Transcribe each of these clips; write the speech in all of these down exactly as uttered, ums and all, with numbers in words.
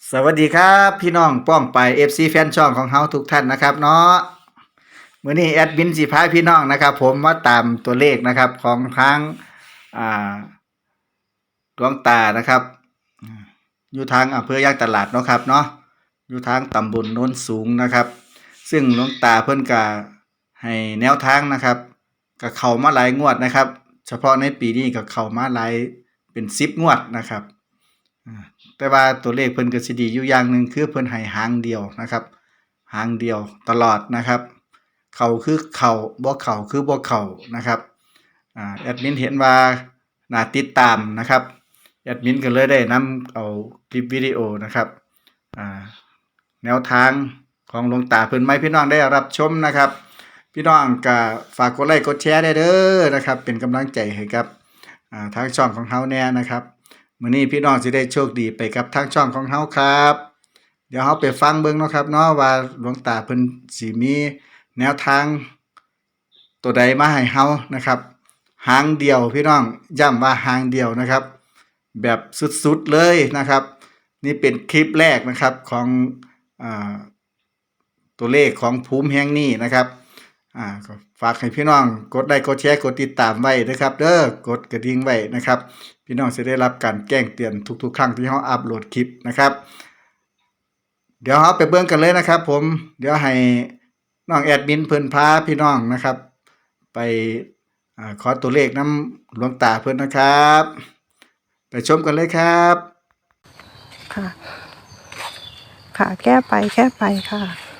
สวัสดีครับพี่น้องป้องไป เอฟ ซี แฟนช่องของเฮาทุกท่านนะครับเนาะมื้อนี้แอดมินสิพาพี่น้องนะครับ ผมมาตามตัวเลขนะครับของทางอ่าหลวงตานะครับอืมอยู่ทางอำเภอยางตลาดเนาะครับเนาะอยู่ทางตำบลโน้นสูงนะครับ ซึ่งหลวงตาเพิ่นก็ให้แนวทางนะครับก็เข้ามาหลายงวดนะครับ เฉพาะในปีนี้ก็เข้ามาหลายเป็นสิบงวดนะครับอ่า แต่ว่าตัวเลขเพิ่นก็สิดีอยู่อย่างหนึ่งคือเพิ่นให้หางเดียวนะครับหางเดียวตลอดนะครับเข้าคือเข้าบ่เข้าคือบ่เข้านะครับอ่าแอดมินเห็นว่าน่าติดตามนะครับแอดมินก็เลยได้นำเอาคลิปวิดีโอนะครับอ่าแนวทางของหลวงตาเพิ่นมาให้พี่น้องได้รับชมนะครับพี่น้องก็ฝากกดไลค์กดแชร์ได้เด้อนะครับเป็นกำลังใจให้กับอ่าทางช่องของเฮาแน่นะครับมื้อนี้พี่น้องสิได้โชคดีไปกับทางช่องของเฮาครับ เดี๋ยวเฮาไปฟังเบิ่งเนาะครับเนาะว่าหลวงตาเพิ่นสิมีแนวทางตัวใดมาให้เฮานะครับหางเดียวพี่น้องย้ำว่าหางเดียวนะครับ แบบสุดๆเลยนะครับ นี่เป็นคลิปแรกนะครับของอ่าตัวเลขของภูมิแห่งนี้นะครับอ่าก็ฝากให้พี่น้องกดไลค์กดแชร์กดติดตามไว้นะครับเด้อกดกระดิ่งไว้นะครับ พี่น้องจะได้รับการแจ้งเตือนทุกๆครั้งที่เฮาอัปโหลดคลิปนะครับ เดี๋ยวเราไปเบิ่งกันเลยนะครับผมเดี๋ยวให้น้องแอดมินเพิ่นพาพี่น้องนะครับ ไปอ่าขอตัวเลขน้ำหลวงตาเพิ่นนะครับ ไปชมกันเลยครับค่ะ ค่ะ แก้ไปแก้ไปค่ะ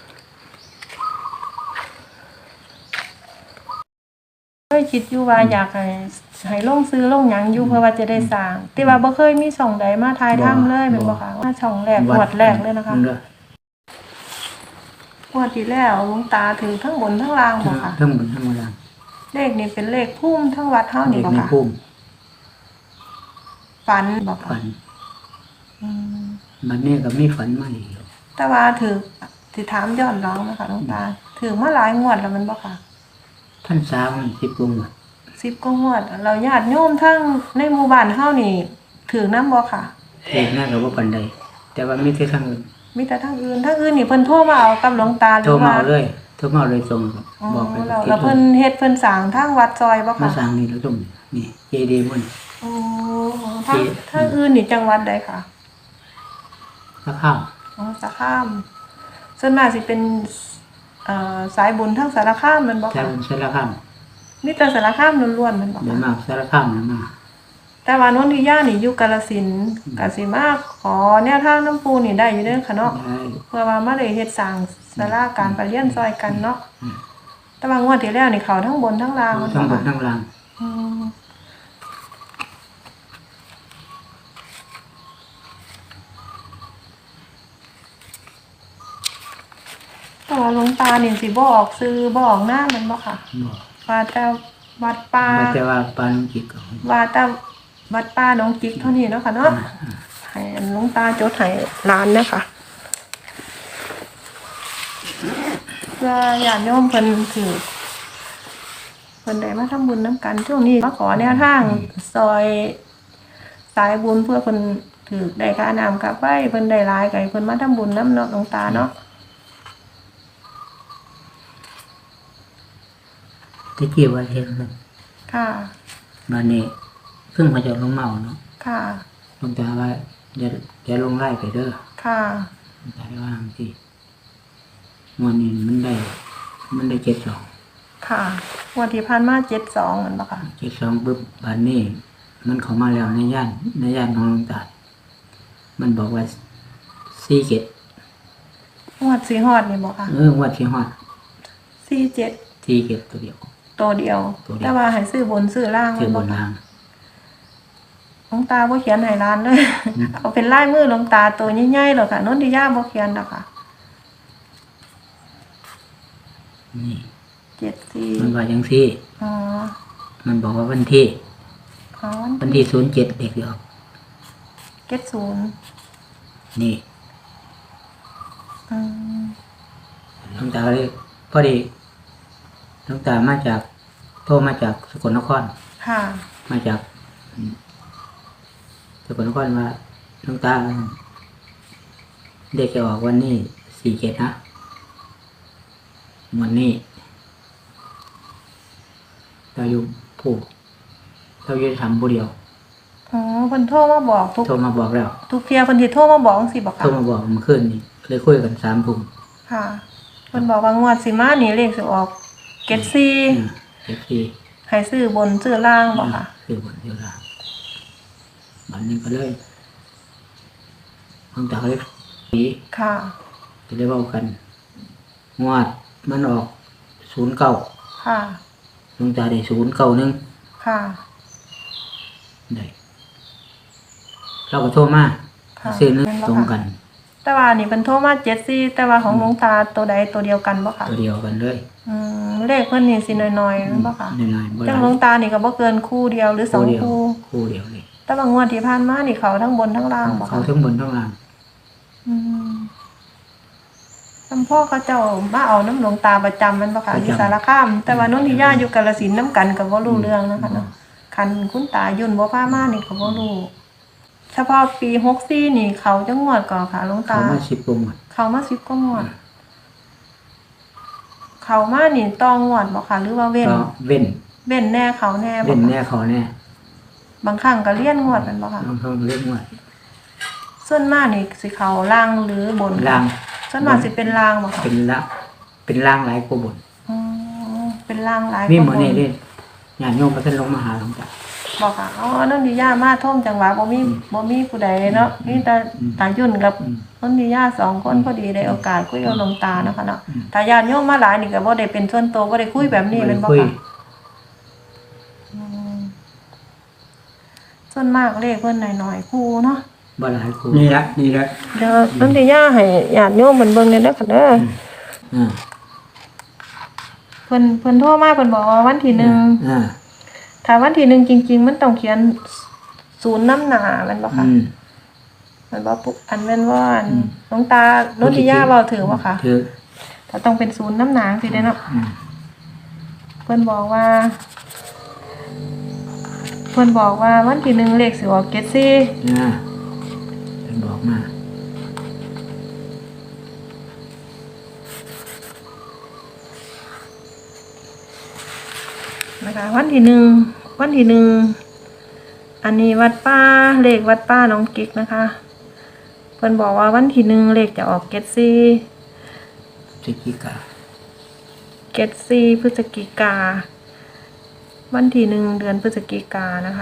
เคยคิดอยู่ว่าอยากให้ให้ลงซื้อลงหยังอยู่เพื่อว่าจะได้สร้างแต่ว่าบ่เคยมีช่องใดมาถ่ายทำเลยแม่นบ่คะมาช่องแรกงวดแรกเลยนะคะงวดที่แล้วหลวงตาถือทั้งบนทั้งล่างบ่ค่ะทั้งหมดทั้งหมดล่างเลขนี้เป็นเลขพุ่มทั้งวัดเฮานี่เด็กบ่ในค่ะพุ่มฝันบ่ค่ะฝันอืมมันนี่ก็มีฝันมาอีกแต่ว่าถือสิถามย้อนหลังนะคะหลวงตาถือมาหลายงวดแล้วแมันบ่ค่ะท่านสาวมันสิบกว่าหมดสิบกว่างวดเราญาติโยมทั้งในหมู่บ้านเฮานี่ถือนำบ่ค่ะเด็กน่ากับว่าปันใดแต่ว่ามีแต่ทางอื่นมีแต่ทางอื่นทางอื่นนี่เพิ่นโทรมาเอากับหลวงตาหรืโทรอมาว่าเอาเลยโทรมาเอาเลยส่งอ๋อบอกไปเราที่เราเพิ่นเฮ็ดเพิ่นสร้างทางวัดซอยบ่มาค่ะสั่งนี่แล้วตรงนี่เจดีย์มันอ๋อทางทางอื่นนี่จังหวัดใดค่ะพระข้าวอ๋อสารคามส่วนมากสิเป็นเอ่อสายบุญทางสารคามแม่นบ่แต่ค่ะสารข้ามมีแต่สารคามล้วนๆแม่นบ่เดี๋ยวค่ะมากสารข้ามนะมาแต่ว่านนทิยานี่อยู่กาฬสินธุ์ก็สิมาขอแนวทางน้ำปูนี่ได้อยู่เด้อค่ะเนาะได้เพื่อว่ามาได้เฮ็ดสร้างศาลาการประเรียนซอยกันเนาะแต่ว่างวดที่แล้วนี่เขาทั้งบนทั้งล่างแม่นทั้งหมบ่ดค่ะทั้งล่างอืมแต่ว่าหลวงตานี่สิบ่ออกซื้อบ่ออกหน้าแมันบ่ค่ะบอกว่าแต่วัดป่ามาแต่ว่าปานจิตก็ว่าแต่วัดป่าหนองจิกเท่านี้เนาะค่ะเนาะให้หลวงตาจดให้ร้านนะคะเพื่อญาติโยมเพิ่นถือเพิ่นได้มาทำบุญน้ำกันช่วงนี้มาขอแนวทางซอยสายบุญเพื่อเพิ่นถือได้ค่าน้ำค่าไฟเพิ่นได้หลายก็ให้เพิ่นมาทำบุญน้ำเนาะหลวงตาเนาะตะกี้ว่าเห็นมันค่ะมานี่เพิ่งมาจากลงเมาเนาะค่ะหลวงตาว่าอย่าอย่าลงไล่ไปเด้อค่ะหลวงตาได้ว่าจังซี่วันนี้มันได้ มันได้เจ็ดสองค่ะงวันที่ผ่านมาเจ็ดสองเหมือนปะค่ะเจ็ดสองปุ๊บบันนี้มันเข้ามาแล้วในย่านในย่านของหลวงตา มันบอกว่าสี่เจ็ดงวดสีฮอดนี่บอกค่ะเออวัดที่ฮอดสี่เจ็ดสี่เจ็ดตัวเดียวตัวเดียวตัวเดียวแต่ว่าให้ซื้อบนซื้อล่างคือบแม่นบ่ค่ะรางหลวงตาบ่เขียนให้ร้านเลย เอาเป็นลายมือหลวงตาตัวใหญ่ๆหรอกค่ะนนทิยาบ่เขียนหรอกค่ะนี่เจ็ดสี่มันว่าจังซี่อ๋อมันบอกว่าวันที่อ๋อวันที่ศูนย์เจ็ดเด็กเดียวเจ็ดศูนย์นี่อืมหลวงตาก็เลยพอดีหลวงตามาจากโทรมาจากสกลนครค่ะมาจากอืมสกลนครว่าหลวงตาเด็กจะออกวันนี้สี่เจ็ดนะวันนี้เราอยู่ผู้เราอยู่ทำผู้เดียวอ๋อเพิ่นโทรมาบอกทุกโทรมาบอกแล้วทุกเที่ยเพิ่นสิโทรมาบอกจังซี่บ่โทค่ะรมาบอกเมื่อคืนนี้เลยคุยกันสามทุ่มค่ะเพิ่นบอกว่างวดสิมานี่เลขสิออกเจ็ดสี่อ่าเจ็ดสี่ให้ซื้อบนซื้อล่างบ่ค่ะคือบนเดียวละวันนี้ก็เลยตั้งแต่เขาเลยปีค่ะจะได้เว้ากันงวดมันออกศูนย์เก้าค่ะลงตาได้ศูนย์เก้าหนึ่งค่ะได้เราก็โทรมาค่ะซื้อนึงแม่นบ่คะตรงกันแต่ว่านี่เพิ่นโทรมาเจ็ดสี่แต่ว่าของหลวงตาตัวใดตัวเดียวกันบ่ค่ะตัวเดียวกันเลยอืมเลขเพิ่นนี่สิน้อยๆนั่นบ่ค่ะน้อยๆบ่หจัลางหลวงยตานี่ก็บ่เกินคู่เดียวหรือสองเดียวคู่คู่เดียวเลยแต่ว่างวดที่ผ่านมานี่เขาทั้งบนทั้งล่างบ่เขาค่ะทั้งบนทั้งล่างอืมจำพ่อเขาเจ้ามาเอาน้ำหลวงตาประจำมันบ่ค่ะอยู่สารคาม แต่ว่านนทิยาอยู่กาฬสินธุ์น้ำกันก็บ่รู้เรื่องนะคะเนาะคันคุณตายุ่นบ่พามานี่ก็บ่รู้เฉพาะปีหกสี่นี่เขาจังงวดก่อนค่ะหลวงเขาตามาสิบกว่าหมดเขามาสิบก็งวด เขามานี่ต้องงวดบ่ค่ะหรือว่าเว้นก็เว้นเว้นแน่เขาแน่บ่เว้นค่ะแน่เขาแน่บางครั้งก็เลี่ยนงวดแมันบ่ค่ะบางครั้งเรียกว่าส่วนมากนี่สิเขาล่างหรือบนค่ะล่างส่วนมากสิเป็นล่างบ่ค่ะเป็นละเป็นล่างหลายกว่าบนอ๋อเป็นล่างหลายมีกหมว่าดบนี่นเล่นญาติโยมมาท่านลงมาหาหลวงตาบ่ค่ะอ๋อนั่นดิยามาท่มจังหวะบ่มีบ่มีผู้ใดเนาะมีแต่ตายุ่นกับอืมนนดิยาสองคนพอดีได้โอกาสคุยกับหลวงตาเนาะค่ะเนาะอืมถ้าญาติโยมมาหลายนี่ก็บ่ได้เป็นส่วนตัวบ่ได้คุยแบบนี้แม่นบ่คุยค่ะอืมส่วนมากเลขเพิ่นน้อยๆคู่เนาะบ่หลายคู่นี่ละนี่ละเดี๋ยวนนทิยาให้ญาติโยมเพิ่นเบิ่งได้เด้อค่ะเด้ออ่าเพิ่นเพิ่นโทรมาเพิ่นบอกว่าวันที่หนึ่งอ่าถ้าวันที่หนึ่งจริง ๆ มันต้องเขียนศูนย์น้ำหนาแมันบ่ค่ะอืมมันบ่ปุ๊บอันแม่นว่าอันอืมหลวงตานนทิยาเว้าถือบ่ค่ะถือถ้าต้องเป็นศูนย์น้ำหนาสิได้เนาะอืมเพิ่นบอกว่า เพิ่นบอกว่าวันที่หนึ่งเลขสิออกเจ็ดสี่อ่าเป็นบอกมานะคะวันที่หนึ่งวันที่หนึ่งอันนี้วัดป้าเลขวัดป้าน้องกิ๊กนะคะเพิ่นบอกว่าวันที่หนึ่งเลขจะออกเจ็ดสี่จิกิกาเจ็ดสี่พฤศจิกาวันที่หนึ่งเดือนพฤศจิกานะคะ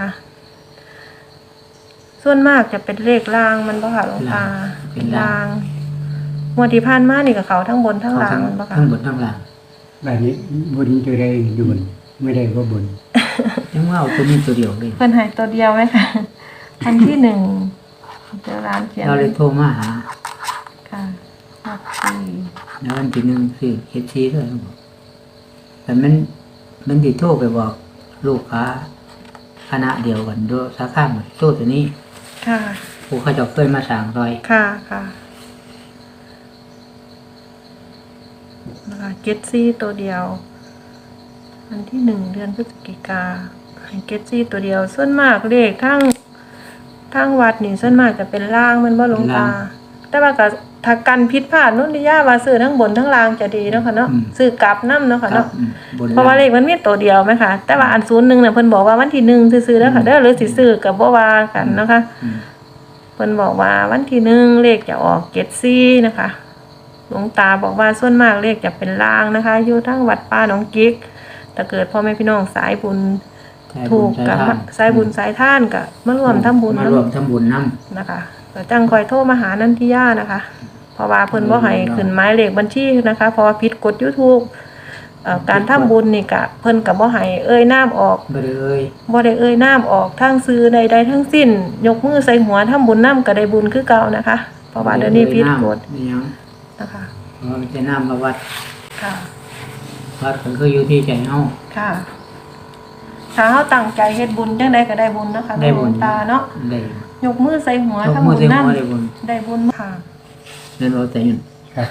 ส่วนมากจะเป็นเลขล่างมันบ่ค่ะหลวงตาเป็นล่างงวดที่ผ่านมานี่กับเขาทั้งบนทั้งล่างมันบ่ค่ะทั้งบนทั้งล่างแบบนี้บนตัวใดอยู่บนไม่ได้ก็บนยังว่าเอาตัวนี้ตัวเดียวเลยเพิ่นให้ตัวเดียวไหมคะอันที่หนึ่งเจอร้านเขียนเราเลยโทรมาหาค่ะหกสี่แล้ววันที่หนึ่งคือเฮ็ดชีด้วยบอกแต่มันมันติโทรไปบอกลูกค้าคณะเดียวกันด้วยสาขาหมดโทรตัวนี้ค่ะผู้เขาเจะเคยมาสั่งรอยค่ะค่ะนะคะเจ็ดซี่ตัวเดียววันที่หนึ่งเดือนพฤศจิกาให้เจ็ดซี่ตัวเดียว ส่วนมากเลขทั้งทั้งวัดนี่ส่วนมากจะเป็นล่างมันบ่หลวงตา แต่ว่าก็ถ้ากันผิดพลาดนุ่นที่ย่าว่าซื้อทั้งบนทั้งล่างจะดีเนาะค่ะเนาะซื้อกลับนำเนาะค่ะครัเนาะบอืมบนเพราะว่าเลขมันมีตัวเดียวไหมคะแต่ว่าอันศูนย์หนึ่งเนี่ยเพิ่นบอกว่าวันที่หนึ่งซื้อๆแล้วค่ะเด้อหรือสิซื้อกับบ่ว่ากันเนาะคะอืมเพิ่นบอกว่าวันที่หนึ่งเลขจะออกเจ็ดสี่นะคะหลวงตาบอกว่าส่วนมากเลขจะเป็นล่างนะคะ อยู่ทั้งวัดป้าหนองกิ๊กถ้าเกิดพ่อแม่พี่น้องสายบุญสายบุญถูกกับสายทานสายบุญสายท่านกับมาร่วมทำบุญมานํร่วมทำบุญน้นะคะก็จังคอยโทรมาหานันทิยานะคะ เพราะว่าเพิ่นบ่ให้ขึ้นหมายเลขบัญชีนะคะเพราะว่าผิดกฎ YouTube เอ่อการทำบุญนี่ก็เพิ่นก็บ่ให้เอ่ยนามออกำบ่ได้เอ่ยบ่ได้เอ่ยนามออกทางซื้อใดๆทั้งสิ้น ยกมือใส่หัวทำบุญนำก็ได้บุญคือเก่านะคะ เพราะว่าเดี๋ยวนี้ผิดกฎไม่ยังนะคะเพราะว่ามันจะน้ำมาวัดค่ะวัดมันคืออยู่ที่ใจเฮาค่ะถ้าเฮาตั้งใจเฮ็ดบุญจังไดก็ได้บุญนะคะได้บุญหลวงตาเนาะได้ยกมือใส่หัวยกทำมือบุญใส่นำหัวได้บุญได้บุญค่ะเดินเอาแต่ยืนครับ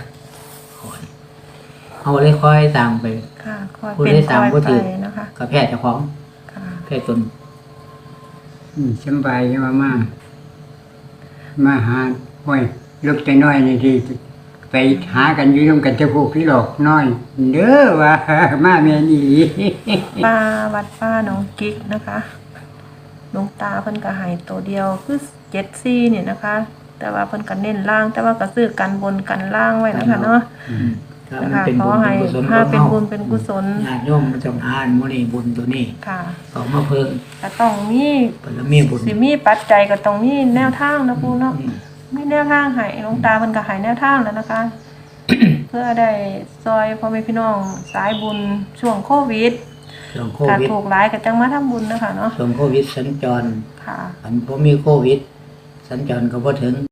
เอาเลยค่อยตามไปค่ะคอยผู้เป็นได้คตามอยผู้ไปถือนะคะกับแพทย์เจ้าของค่ะแพทย์ตนอืมสำบายยังมามามาหาห้อยลูกแต่น้อยนี่ที่ไปหากันอยู่ร่วมกันจะพูกพี่หลอกน้อยเด้อว่า มาแม่นี่ป้าวัดป้าน้องกิ๊กนะคะหลวงตาเพิ่นก็ให้ตัวเดียวคือเจ็ดซี่เนี่ยนะคะ แต่ว่าเพิ่นก็เน้นล่าง แต่ว่าก็ซื้อกันบนกันล่างไว้นะคะเนาะถ้านะมันคะเป็นขอบุญให้เป็นกุศลถ้าของเป็นเฮาบุญเป็นกุศลญาติโยมมันจงอ่านมื้อนี้บุญตัวนี้ค่ะก็มาเพิ่มก็ต้องมีบารมีบุญสิมีปัจจัยก็ต้องมีแนวทางนะปูเนาะอืมมีแนวทางให้หลวงตาเพิ่นก็ให้แนวทางแล้วนะคะ เพื่อได้ซอยพ่อแม่พี่น้องสายบุญช่วงโควิดช่วงโคถ้าวิดถูกหลายก็จังมาทำบุญนะคะเนาะช่วงโควิดสัญจรค่ะอันบ่มีโควิด สัญจรก็บ่ถึง